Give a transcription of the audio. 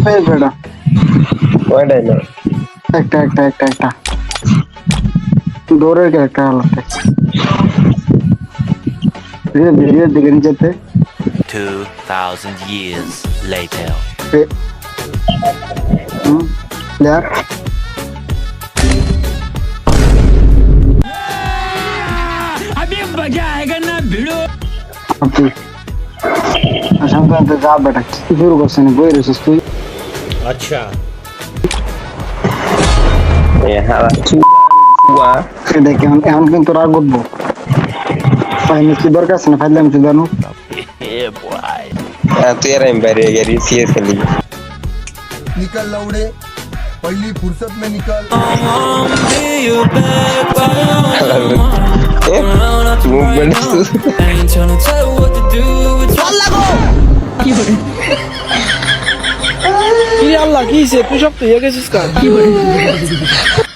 এই বেটা ওইটাই না একটা দৌড়ের ক্যারেক্টার আলাদা ধীরে ধীরে দিকে নিচেতে 2,000 years later. প্লেয়ার अभी मजा आएगा ना भिड़ो সামনে যা বেটা কি শুরু করছেন বই রেছিস তুই अच्छा এ হারা ওয়া দেখে এখন কিন্তু রাগ উঠবো ফাইনে কি দরকার আছে না ফাইলে আমি তুই জানো ए बॉय তুই আর আমি বাইরে গেছি সিএস খেলি निकल लौड़े पहली फुर्सत में निकल মুভমেন্ট কি আল্লাহ কি তুই সব তুই গেছিস কার